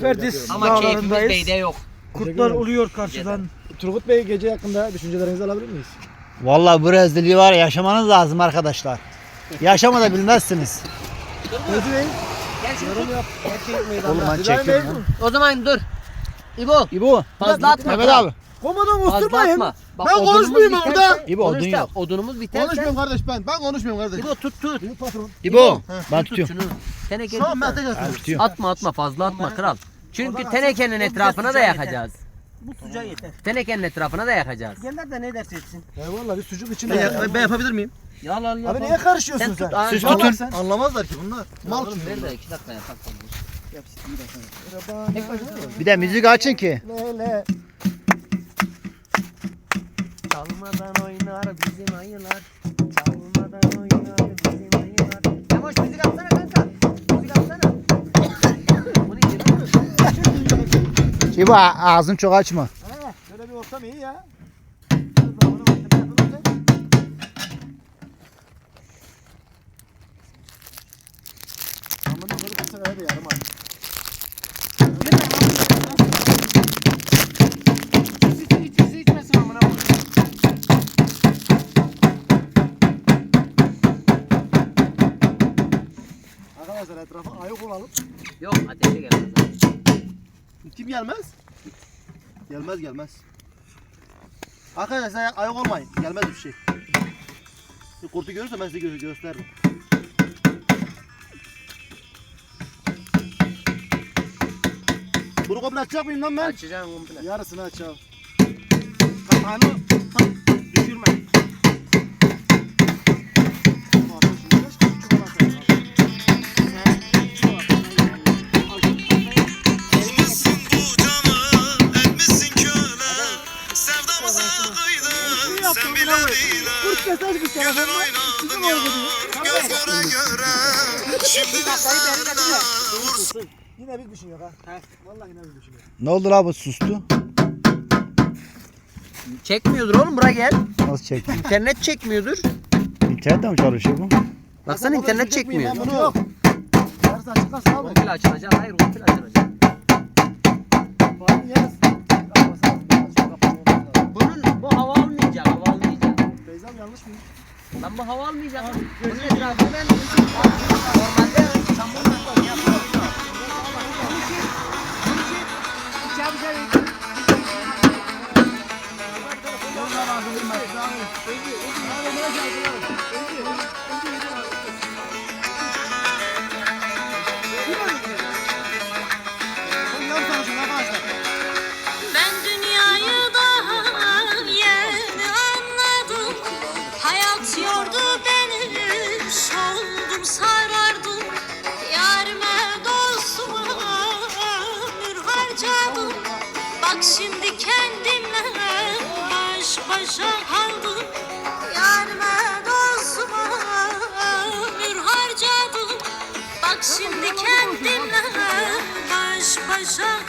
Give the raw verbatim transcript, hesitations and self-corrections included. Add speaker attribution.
Speaker 1: Ferdiz
Speaker 2: Ama keyfimiz
Speaker 1: dağlarındayız.
Speaker 2: beyde yok.
Speaker 1: Kurtlar uluyor karşıdan.
Speaker 3: Turgut Bey gece hakkında düşüncelerinizi alabilir miyiz?
Speaker 4: Vallahi bu rezilliği var ya, yaşamanız lazım arkadaşlar. Yaşamada bilmezsiniz.
Speaker 3: Özü Bey.
Speaker 2: Gel şunu tut.
Speaker 3: Yap.
Speaker 4: Oğlum ben
Speaker 3: İbrahim Bey.
Speaker 4: çekiyorum ya.
Speaker 2: O zaman dur. İbo
Speaker 4: İbo.
Speaker 2: fazla atma.
Speaker 4: Mehmet abi.
Speaker 3: Komutan
Speaker 2: Fazla
Speaker 3: usturmayın.
Speaker 2: atma. Bak,
Speaker 3: Ben
Speaker 2: odunumuz
Speaker 3: konuşmayayım
Speaker 2: biterse-
Speaker 3: orada.
Speaker 4: İbo, odun
Speaker 2: Konuş da,
Speaker 4: yok.
Speaker 2: Odunumuz biterse.
Speaker 3: Konuşmuyorum kardeş ben. Ben konuşmuyorum kardeş.
Speaker 2: İbo tut tut.
Speaker 3: Büyük patron.
Speaker 4: İbo. Ben
Speaker 2: Tut
Speaker 4: tutuyorum.
Speaker 2: şunu. Teneke
Speaker 3: Tamam ben
Speaker 2: tut.
Speaker 3: tekrar
Speaker 4: Ben
Speaker 3: tutuyorum.
Speaker 4: tutuyorum.
Speaker 2: Atma atma fazla atma kral. Çünkü tenekenin etrafına da yakacağız.
Speaker 1: Bu sıcağı yeter.
Speaker 2: Tenekenin etrafına da yakacağız.
Speaker 1: Genler de ne derse etsin.
Speaker 3: Eyvallah bir sucuk içinde. Ben, ben yapabilir miyim?
Speaker 2: Yal al
Speaker 3: Abi niye karışıyorsun
Speaker 2: Sen
Speaker 3: sen?
Speaker 2: tut. Aa,
Speaker 4: Siz
Speaker 2: yal al
Speaker 4: tutun.
Speaker 2: sen.
Speaker 3: Anlamazlar ki bunlar. Mal
Speaker 2: Oğlum
Speaker 3: çünkü.
Speaker 2: ver de iki dakika yapak.
Speaker 4: Bir de müzik açın ki.
Speaker 3: Lele.
Speaker 2: Çalmadan oynar bizim ayılar. Çalmadan oynar bizim ayılar. Yavaş müzik atsana kanka. Müzik atsana. Bu neydi lan?
Speaker 4: İbo ağzını çok açma.
Speaker 3: He, şöyle bir ortam iyi ya. Amına koyup bu sefer de yarım abi.
Speaker 1: Hiç hiç içmesin amına koyayım.
Speaker 3: Arkadaşlar etrafa ayık olalım.
Speaker 2: Yok ateşe gelmez abi.
Speaker 3: Kim gelmez? Gelmez gelmez. Arkadaşlar ayık olmayın. Gelmez bir şey. Bir kurtu görürse ben size gö gösteririm. Bunu komple açacak mıyım lan ben?
Speaker 2: Açacağım komple.
Speaker 3: Yarısını açacağım.
Speaker 1: Kapağını düşürme.
Speaker 5: Almışsın bu canı, etmişsin köle. Sevdamıza kıydın, sen bile bile. Gözün oynadın yar, göz göre göre. Şimdi de senle vursun.
Speaker 3: Yine bir düşün yok ha. Vallahi yine bir düşün yok.
Speaker 4: Ne oldu la, bu sustu?
Speaker 2: Çekmiyordur oğlum buraya gel.
Speaker 4: Nasıl çekti?
Speaker 2: İnternet çekmiyordur.
Speaker 4: İnternet mi çalışıyor bu?
Speaker 2: Baksana internet çekmiyor.
Speaker 3: Ben bunu yok. Yarısı açık kalsın abi.
Speaker 2: Komple açılacak. Hayır komple açılacak.
Speaker 3: Bari yarısı. Kapatmasın.
Speaker 2: Bunun bu hava almayacak. Hava almayacak.
Speaker 3: Beyzam yanlış mı?
Speaker 2: Ben bu hava almayacak. Bunun etrafını ben normalde çamurla yapıyorum.
Speaker 6: Ben dünyayı daha yeni anladım. Hayat yordu beni, soldum sarardım. Yarime dostuma ömür harcadım. Bak şimdi kendimle baş başa kaldım. Yarime dostuma ömür harcadım. Bak şimdi kendimle baş başa